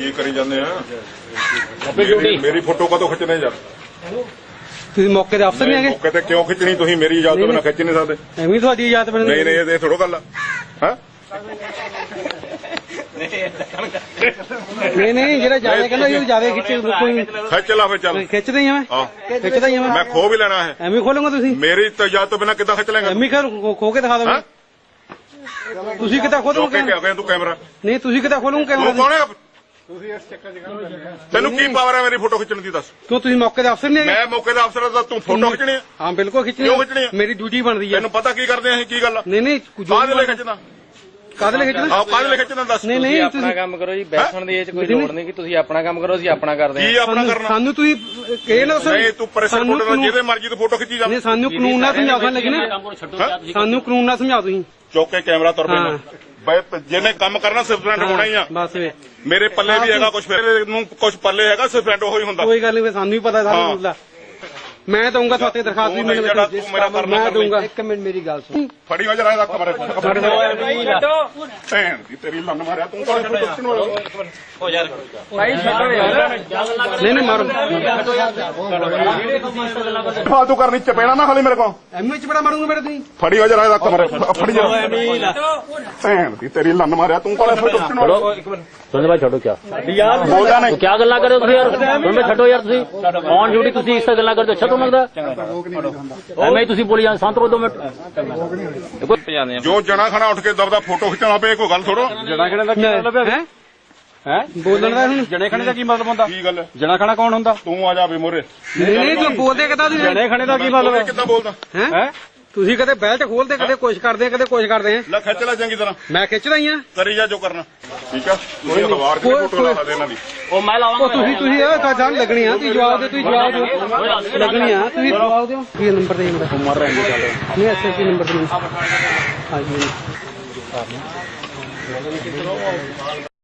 ਕੀ ਕਰੀ ਜਾਂਦੇ ਆ? ਮੇਰੀ ਫੋਟੋ ਕਦੋਂ ਖਿੱਚਣੇ ਯਾਰ? ਤੁਸੀਂ ਮੌਕੇ ਦੇ ਅਫਸਰ ਨਹੀਂ ਹੈਗੇ? ਮੌਕੇ ਤੇ ਕਿਉਂ ਖਿੱਚਣੀ? ਤੁਸੀਂ ਮੇਰੀ ਇਜਾਜ਼ਤ ਤੋਂ ਬਿਨਾਂ ਖਿੱਚ ਨਹੀਂ ਸਕਦੇ। ਐਵੇਂ ਤੁਹਾਡੀ ਇਜਾਜ਼ਤ ਬਣੀ? ਨਹੀਂ ਇਹ ਥੋੜੋ ਗੱਲ ਆ। ਹਾਂ ਨਹੀਂ ਜਿਹੜਾ ਜਾਵੇ ਕਹਿੰਦਾ ਇਹ ਜਾਵੇ ਖਿੱਚੇ ਕੋਈ ਖਿੱਚ ਲਾ ਫਿਰ ਚੱਲ। ਖਿੱਚਦਾ ਹੀ ਆ ਖਿੱਚਦਾ ਹੀ ਆ ਮੈਂ ਖੋ ਵੀ ਲੈਣਾ ਹੈ। ਐਵੇਂ ਖੋਲੂੰਗਾ ਤੁਸੀਂ? ਮੇਰੀ ਇਜਾਜ਼ਤ ਤੋਂ ਬਿਨਾਂ ਕਿੱਦਾਂ ਖਿੱਚ ਲੈਂਗਾ? ਐਵੇਂ ਖੋ ਕੇ ਦਿਖਾ ਦੋਗੇ? ਤੁਸੀਂ ਕਿੱਦਾਂ ਖੋਲੋਗੇ? ਤੂੰ ਕੈਮਰਾ ਨਹੀਂ ਤੁਸੀਂ ਕਿੱਦਾਂ ਖੋਲੋਗੇ ਕੈਮਰਾ? ਕੌਣ ਹੈ ਤੈਨੂੰ? ਕੀ ਪਾਵਰ ਹੈ ਮੇਰੀ ਫੋਟੋ ਖਿੱਚਣ ਦੀ? ਦੱਸ। ਕਿਉਂ ਤੁਸੀਂ ਮੌਕੇ ਦਾ ਅਫਸਰ ਨਹੀਂ ਹੈਗੇ? ਮੈਂ ਮੌਕੇ ਦਾ ਅਫਸਰ ਦਾ, ਤੂੰ ਫੋਟੋ ਖਿੱਚਣੀ ਹੈ? ਹਾਂ ਬਿਲਕੁਲ ਖਿੱਚਣੀ। ਕਿਉਂ ਖਿੱਚਣੀ ਹੈ? ਮੇਰੀ ਡਿਊਟੀ ਬਣਦੀ ਹੈ। ਤੈਨੂੰ ਪਤਾ ਕੀ ਕਰਦੇ ਅਸੀਂ? ਕੀ ਗੱਲ ਆ? ਨਹੀਂ ਕਾਹਦੇ ਲਈ ਖਿੱਚਣਾ? ਕਾਹਦੇ ਲਈ ਖਿੱਚਣਾ? ਆਹ ਕਾਹਦੇ ਲਈ ਖਿੱਚਣਾ? ਦੱਸ। ਨਹੀਂ ਆਪਣਾ ਕੰਮ ਕਰੋ ਜੀ, ਬੈਠਣ ਦੀ ਇਹ ਚ ਕੋਈ ਲੋੜ ਨਹੀਂ ਕਿ ਤੁਸੀਂ ਆਪਣਾ ਕੰਮ ਕਰੋ, ਅਸੀਂ ਆਪਣਾ ਕਰਦੇ ਕੀ ਆਪਣਾ ਕਰਨਾ? ਸਾਨੂੰ ਤੁਸੀਂ ਇਹ ਨਾ ਦੱਸੋ। ਨਹੀਂ ਤੂੰ ਪ੍ਰੈਸ਼ਰ ਫੋਟੋ ਨਾਲ ਜਿਹਦੇ ਮਰਜ਼ੀ ਤੋਂ ਫੋਟੋ ਖਿੱਚੀ ਜਾ। ਨਹੀਂ ਸਾਨੂੰ ਕਾਨੂੰਨ ਨਾਲ ਸਮਝਾਉਣਾ ਲੱਗਣਾ। ਸਾਨੂੰ ਕਾਨੂੰਨ ਨਾਲ ਸਮਝਾਓ ਤੁਸੀਂ। ਚੁੱਕ ਕੇ ਕੈਮਰਾ ਤੁਰ ਪੈਣਾ। ਜਿਹਨੇ ਕੰਮ ਕਰਨਾ ਸਸਪੈਂਡ ਹੋਣਾ ਹੀ ਆ। ਬਸ ਮੇਰੇ ਪੱਲੇ ਵੀ ਹੈਗਾ ਕੁਝ, ਫਿਰ ਨੂੰ ਕੁਝ ਪੱਲੇ ਹੈਗਾ, ਸਸਪੈਂਡ ਉਹੀ ਹੁੰਦਾ। ਕੋਈ ਗੱਲ ਨਹੀਂ, ਸਾਨੂੰ ਵੀ ਪਤਾ ਸਾਰਾ ਮਸਲਾ। ਮੈਂ ਦਊਂਗਾ ਤੁਹਾਡੇ ਦਰਖਾਸਤ ਵੀ। ਮੈਂ ਦਊਂਗਾ। ਇੱਕ ਮਿੰਟ ਮੇਰੀ ਗੱਲ ਸੁਣ। ਫੜੀ ਹੋ ਜਰਾ ਇਹਦਾ ਕਮਰੇ ਭੈਣ ਦੀ ਤੇਰੀ ਲੰਨ ਮਾਰਿਆ ਤੂੰ ਤਾਂ ਪੁੱਛਣ ਵਾਲਾ ਹੋ ਯਾਰ। ਨਹੀਂ ਮਾਰੋ। ਫਾਲਤੂ ਕਰਨੀ ਚਪੇੜਾ ਨਾ ਖਾਲੀ ਮੇਰੇ ਕੋਲ। ਐਵੇਂ ਚਪੇੜਾ ਮਾਰੂੰਗਾ ਮੇਰੇ ਤੁਸੀਂ। ਫੜੀ ਹੋ ਜਰਾ ਇਹਦਾ ਕਮਰੇ ਫੜੀ ਜਾ। ਭੈਣ ਦੀ ਤੇਰੀ ਲੰਨ ਮਾਰਿਆ ਤੂੰ ਤਾਂ ਪੁੱਛਣ ਵਾਲਾ। सुन भाई छोड़ो क्या यार बोलदा नहीं क्या गल्ला करे तुसी यार सुन भाई छोड़ो यार तुसी ऑन ड्यूटी तुसी इस गल्ला करदे अच्छा तो लगदा ਐਵੇਂ ਤੁਸੀਂ ਬੋਲੀ ਜਾਂ ਸੰਤ ਰੋ 2 ਮਿੰਟ ਜੋ ਜਣਾ ਖਣਾ ਉੱਠ ਕੇ ਦਬਦਾ ਫੋਟੋ ਖਿੱਚਣਾ ਪਏ ਕੋਈ ਗੱਲ ਥੋੜੋ। ਜਣਾ ਖਣੇ ਦਾ ਕੀ ਮਤਲਬ ਹੈ? ਹੈ ਬੋਲਣ ਦਾ ਹੁਣ ਜਣੇ ਖਣੇ ਦਾ ਕੀ ਮਤਲਬ ਹੁੰਦਾ? ਕੀ ਗੱਲ? ਜਣਾ ਖਣਾ ਕੌਣ ਹੁੰਦਾ? ਤੂੰ ਆ ਜਾ ਵੀ ਮੋਰੇ। ਨਹੀਂ ਤੂੰ ਬੋਲਦੇ ਕਿਦਾਂ? ਤੁਸੀਂ ਜਣੇ ਖਣੇ ਦਾ ਕੀ ਮਤਲਬ ਹੈ? ਕਿੱਦਾਂ ਬੋਲਦਾ ਹੈ? ਤੁਸੀਂ ਕਦੇ ਬੈਲਟ ਖੋਲਦੇ, ਕਦੇ ਕੋਸ਼ਿਸ਼ ਕਰਦੇ ਆ, ਕਦੇ ਕੋਸ਼ਿਸ਼ ਕਰਦੇ ਆ। ਲੈ ਖਿੱਚ ਲੈ ਚੰਗੀ ਤਰ੍ਹਾਂ। ਮੈਂ ਖਿੱਚਦਾ ਹੀ ਆ। ਕਰੀ ਜਾ ਜੋ ਕਰਨਾ। ਠੀਕ ਆ ਕੋਈ ਅਖਬਾਰ ਦੀ ਫੋਟੋ ਲਾ ਦੇ ਇਹਨਾਂ ਦੀ। ਉਹ ਮੈਂ ਲਾਵਾਂਗਾ। ਤੁਸੀਂ ਇਹ ਜਾਣ ਲੱਗਣੀ ਆ। ਤੁਸੀਂ ਜਵਾਬ ਦਿਓ। ਤੁਸੀਂ ਜਵਾਬ ਦਿਓ। ਲੱਗਣੀ ਆ। ਤੁਸੀਂ ਜਵਾਬ ਦਿਓ। ਕੀ ਨੰਬਰ ਦੇ ਮੇਰਾ? ਮਰ ਰਹੇ ਨਹੀਂ ਐਸਐਸਪੀ ਨੰਬਰ ਦੇ। ਹਾਂਜੀ।